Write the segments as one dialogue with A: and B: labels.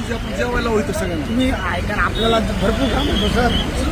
A: म्हणजे आपण जेवायला होईल सगळ्यांना.
B: तुम्ही ऐका ना, आपल्याला भरपूर काम होतं सर.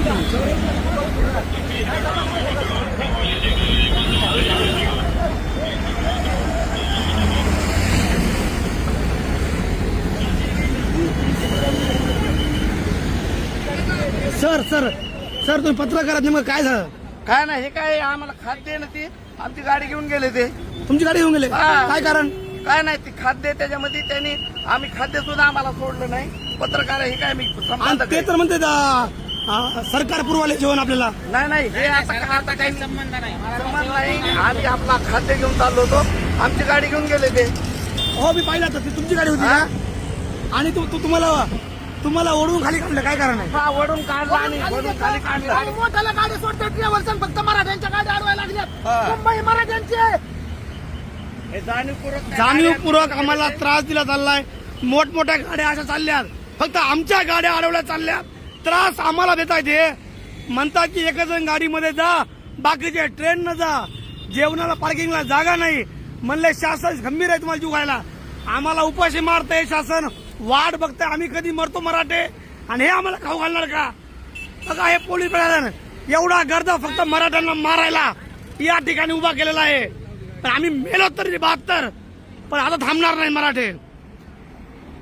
B: सर सर सर तुम्ही पत्रकारात नेमकं काय झालं?
C: काय नाही, हे काय आम्हाला खाद्य ना ते आमची गाडी घेऊन गेले ते.
B: तुमची गाडी घेऊन गेले?
C: हा.
B: काय कारण?
C: काय नाही, ते खाद्य त्याच्यामध्ये त्यांनी आम्ही खाद्य सुद्धा आम्हाला सोडलं नाही. पत्रकार हे काय मी
B: आणि
C: संपादक
B: ते
C: आहे.
B: तर म्हणते सरकार पुरवाले जेवण आपल्याला.
C: नाही हे आता काही संबंध नाही. आम्ही आपला खाद्य घेऊन चाललो होतो, आमची गाडी घेऊन गेले ते.
B: हो मी पाहिलं तर ती तुमची गाडी होती
C: हा?
B: का? आणि तुम्हाला ओढून खाली काढलं, काय कारण आहे?
C: हा, वडून काढला आणि वडून खाली काढला.
D: मोठ्याला गाडी सोडते ट्रॅव्हल्स, फक्त मराठ्यांच्या गाड्या अडवायला लागल्यात.
C: हा.
D: मुंबई मराठ्यांची.
C: हे
B: जाणीवपूर्वक आम्हाला त्रास दिला चाललाय. मोठमोठ्या गाड्या अशा चालल्यात, फक्त आमच्या गाड्या अडवल्या चालल्यात. त्रास आम्हाला देता येते. म्हणतात की एक जण गाडीमध्ये जा, बाकीचे ट्रेन न जा. जेवणाला पार्किंगला जागा नाही. म्हणले शासन गंभीर आहे, तुम्हाला जीव घायला. आम्हाला उपाशी मारतंय शासन, वाट बघताय आम्ही कधी मरतो मराठे, आणि हे आम्हाला खाऊ घालणार का? बघा हे पोलीस प्रशासन एवढा गर्द फक्त मराठ्यांना मारायला या ठिकाणी उभा केलेला आहे. पण आम्ही मेलो तरी 72, पण आता थांबणार नाही मराठे.